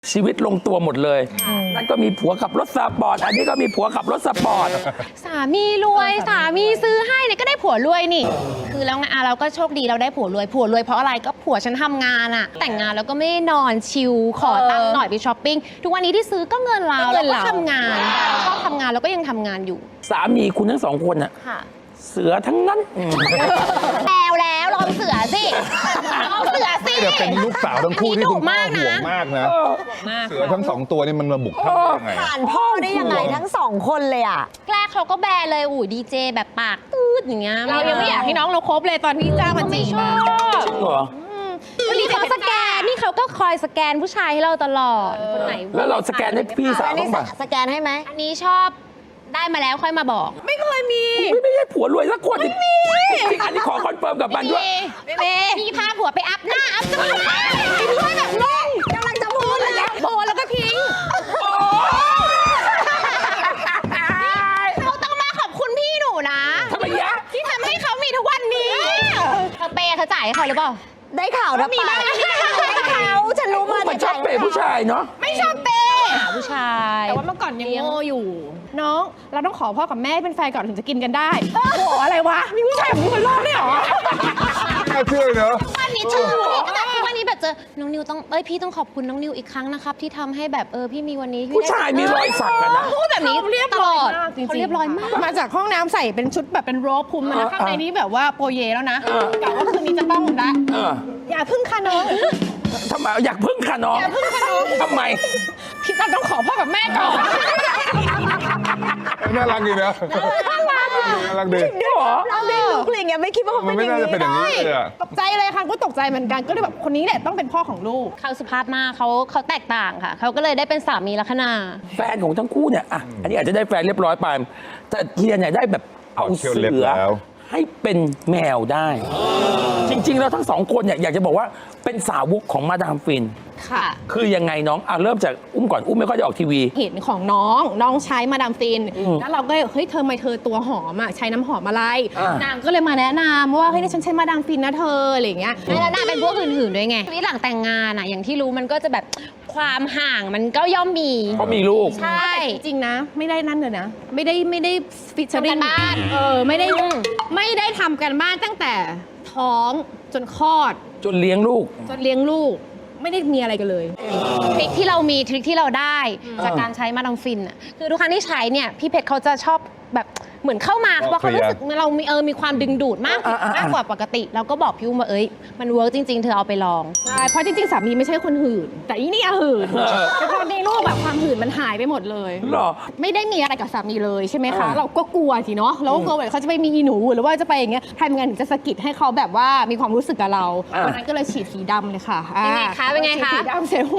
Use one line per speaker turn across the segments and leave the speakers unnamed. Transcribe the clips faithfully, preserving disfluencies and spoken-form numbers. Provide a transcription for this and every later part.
ชีวิตลงตัวหมดเลยนั่นก็มีผัวขับรถสปอร์ตอันนี้ก็มีผัวขับรถสปอร์ต
สามีรวยสามีซื้อให้เนี่ยก็ได้ผัวรวยนี่คือแล้วไงอ่ะเราก็โชคดีเราได้ผัวรวยผัวรวยเพราะอะไรก็ผัวฉันทำงานอะแต่งงานแล้วก็ไม่ได้นอนชิลขอตังค์หน่อยไปช้อปปิ้งทุกวันนี้ที่ซื้อก็เงินเราแล้วก็ทำงานชอบทำงานแล้วก็ยังทำงานอยู่
สามีคุณทั้งสองคนอะเสือทั้งนั้น
แล้วแล้วลองเสือสิลองเสือสิ
เดี๋ยวเป็นลูกสาวทั้งคู่ที่คุณพ่อห่วงมากนะเสือทั้งสองตัวนี่มันมาบุกท่านได้ยังไง
ผ่านพ่อได้ยังไงทั้งสองคนเลยอ่ะ
แรกเขาก็แบร์เลยอู้ดีเจแบบปากตืดอย่างเงี้ยเรายังไม่อยากให้น้องเราคบเลยตอนที่จ้างมาจีบชอบ
จริงเหรอ
วันนี้เขาสแกนนี่เขาก็คอยสแกนผู้ชายให้เราตลอดคนไหน
แล้วเราสแกนให้พี่สาวบ้างป่ะ
สแกนให้ไหม
อันนี้ชอบได้มาแล้วค่อยมาบอก
ไม่เคยมี
ไม่ไม่ใช่ผัวรวยสักคนไม่มีอันนี้ขอคอนเฟิร์มกับมันด้วย
ไม่มีพี่พาผัวไปอัพหน้าอัพจมูกพี่ช่วยแบบงง
กำลังจะพูดเลยนะ
โบแล้วก็ทิ้งเขาต้องมาขอบคุณพี่หนูนะ
ทำไมยะ
ที่ทำให้เขามีทุกวันนี้เธอเปย์เธอจ่ายให้เขาหรือเปล่า
ได้ข่าวนะมีบ้างได้ข่าวฉันรู้มา
มันชอบเปย์ผู้ชายเนาะ
ไม่ชอบเปย์ผู้ชาย
แต่ว่าเมื่อก่อนยังโง่อยู่น้องเราต้องขอพ่อกับแม่เป็นแฟนก่อนถึงจะกินกันได้โอ้โหอะไรวะมีผู้ชายแบบนี้บนโลกได้หรอ
น่าเชื่อเนอะ
วันนี้เชื่อแบบวันนี้แบบเจอน้องนิวต้องเอ้ยพี่ต้องขอบคุณน้องนิวอีกครั้งนะครับที่ทำให้แบบเออพี่มีวันนี้
ผู้ชายมีรอยสักกันนะ
พูดแบบนี้
เรียบร้อย
เขาเรียบร้อยมาก
มาจากห้องน้ำใส่เป็นชุดแบบเป็นโรบคุมนะข้างในนี้แบบว่าโปรเยแล้วนะกะว่าคืนนี้จะต้องได้อย่าพึ่งค่ะน้อง
ทำไมอยากพึ่งค่ะน้อง
อย่าพึ่งค่ะน้อง
ทำไม
พี่ตันต้องขอพ่อกับแม่ก่อน
น่ารักดีนะน่ารักน่ารักดี
เราเด็กลูกอะไรเงี้ยไม่คิดว่าเขาเป็นอย่างนี้
ไม่น่าจะเป็นอย่างนี้เลยอะ
ตกใจเลยค่ะก็ตกใจเหมือนกันก็เลยแบบคนนี้แหละต้องเป็นพ่อของลูก
เขาสุภาพมากเขาเขาแตกต่างค่ะเขาก็เลยได้เป็นสามีลัคนา
แฟนของทั้งคู่เนี่ยอ่ะอันนี้อาจจะได้แฟนเรียบร้อยไปแต่เทียนเนี่ยได้แบบเอาเสือให้เป็นแมวได้จริงๆแล้วทั้งสองคนเนี่ยอยากจะบอกว่าเป็นสาวกของมาดามฟิน
ค่ะ
คือยังไงน้องอ่ะเริ่มจากอุ้มก่อนอุ้มไม่ค่อยได้ออกทีวี
เห็นของน้องน้องใช้มาดามฟินแล้วเราก็เฮ้ยเธอทำไมเธอตัวหอมอ่ะใช้น้ำหอมอะไรนางก็เลยมาแนะนำว่าเฮ้ยฉันใช้มาดามฟินนะเธออะไรอย่างเงี้ย
แล้วนางเป็นพวกอื่นๆด้วยไงชีวิตหลังแต่งงานอ่ะอย่างที่รู้มันก็จะแบบความห่างมันก็ย่อมมี
เพราะมีลูก
ใช่
จริงนะไม่ได้นั่นเลยนะไม่ได้ไม่ได้ฟิชเชอร์
กันบ้าน
เออไม่ได้ไม่ได้ทำกันบ้านตั้งแต่ท้องจนคลอด
จนเลี้ยงลูก
จนเลี้ยงลูกไม่ได้มีอะไรกันเลย
ทริคที่เรามีทริคที่เราได้จากการใช้มาดามฟินอ่ะคือทุกครั้งที่ใช้เนี่ยพี่เพชรเขาจะชอบแบบเหมือนเข้ามาเพราะเขารู้สึกเรามีเออมีความดึงดูดมากมากกว่าปกติเราก็บอกพี่อุ้มว่าเอ้ยมันเวิร์กจริงๆเธอเอาไปลอง
ใช่เพราะจริงๆสามีไม่ใช่คนหื่นแต่อีนี่หื่นแต่พอในลูกแบบความหื่นมันหายไปหมดเลย
หรอ
ไม่ได้มีอะไรกับสามีเลยใช่ไหมคะเราก็กลัวสิเนาะเราก็กลัวว่าเขาจะไปมีหนูหรือว่าจะไปอย่างเงี้ยทำยังไงถึงจะสะกิดให้เขาแบบว่ามีความรู้สึกกับเราวันนั้นก็เลยฉีดสีดำเลยค่ะ
เป็นไงคะเป็นไงคะ
สีดำเสร็จ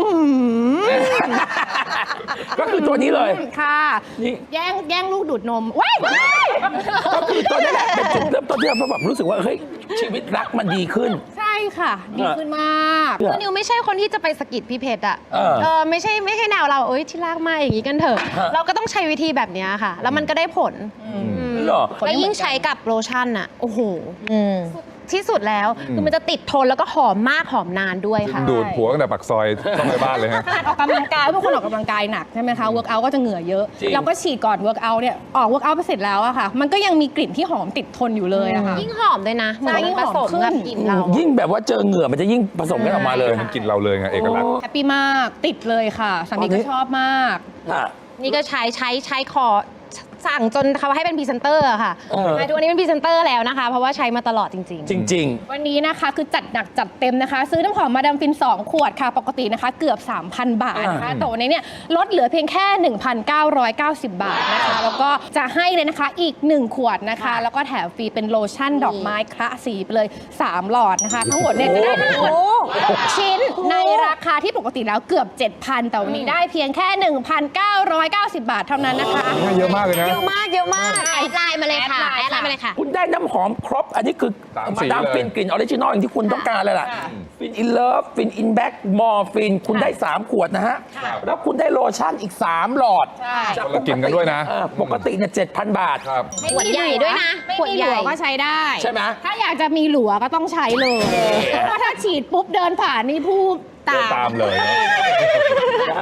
ก็คือตัวนี้เลย
ค่ะแย่งแย่งลูกดูดนมว้าย
ก็คือตอนนี้แหละเป็นจุดเริ่มต้นที่เราแบบรู้สึกว่าเฮ้ยชีวิตรักมันดีขึ้น
ใช่ค่ะดีขึ้นมาก
คือนิวไม่ใช่คนที่จะไปสะกิดพี่เพชรอ่ะเออไม่ใช่ไม่ใช่แนวเราเอ้ยที่รักมาอย่างนี้กันเถอะเราก็ต้องใช้วิธีแบบนี้ค่ะแล้วมันก็ได้ผลแล้วยิ่งใช้กับโลชั่นอ่ะโอ้โหที่สุดแล้วคือมันจะติดทนแล้วก็หอมมากหอมนานด้วยค่ะ
ดูดผัวตั้งแต่ปากซอยต้องไปบ้านเลยฮะ
ออกกำลังกายทุกคนออกกำลังกายหนักใช่ไหมคะเวิร์กอัลก็จะเหงื่อเยอะเราก็ฉีดก่อนเวิร์กอัลเนี่ยออกเวิร์กอัลไปเสร็จแล้วอะค่ะมันก็ยังมีกลิ่นที่หอมติดทนอยู่เลยอะค่ะ
ยิ่งหอมเลยนะเหมือนยิ่งผสมกับกลิ่นเรา
ยิ่งแบบว่าเจอเหงื่อมันจะยิ่งผสมกันออกมาเลย
มันกลิ่นเราเลยไงเอกลักษณ์
แฮปปี้มากติดเลยค่ะสามีก็ชอบมาก
นี่ก็ใช้ใช้ใช้คอสั่งจนเขาให้เป็นพรีเซนเตอร์ค่ะทุกวันนี้เป็นพรีเซนเตอร์แล้วนะคะเพราะว่าใช้มาตลอดจริง
ๆจริงๆ
วันนี้นะคะคือจัดหนักจัดเต็มนะคะซื้อน้ำหอมมาดามฟินสองขวดค่ะปกตินะคะเกือบ สามพัน บาทนะคะแต่วันนี้เนี่ยลดเหลือเพียงแค่ หนึ่งพันเก้าร้อยเก้าสิบ บาทนะคะแล้วก็จะให้เลยนะคะอีกหนึ่งขวดนะคะแล้วก็แถมฟรีเป็นโลชั่นดอกไม้คละสีไปเลยสามหลอดนะคะทั้งหมดเนี่ยจะได้ทั้งหมดหกชิ้นในราคาที่ปกติแล้วเกือบ เจ็ดพัน แต่วันนี้ได้เพียงแค่ หนึ่งพันเก้าร้อยเก้าสิบ บาทเท่านั้นนะคะ
เยอะมากเลยนะ
เยอะมากเยอะมาก
แอดไลน์มาเลยค่ะแอดไลน์มาเลยค่ะ
คุณได้น้ำหอมครบอันนี้คือมาดามฟินกลิ่นออริจินอลอย่างที่คุณต้องการเลยล่ะฟินอินเลิฟฟินอินแบ็กมอร์ฟินคุณได้สามขวดนะฮะแล้วคุณได้โลชั่นอีกสามหลอด
จะกินกันด้วยนะ
ปกติเนี่ยเจ็ดพัน บาท
ขวดใหญ่ด้วยนะ
ขวดใหญ่ก็ใช้ได้
ใช่ไหม
ถ้าอยากจะมีหลัวก็ต้องใช้เลยเพราะถ้าฉีดปุ๊บเดินผ่านนี่ผู้
เดินตามเลย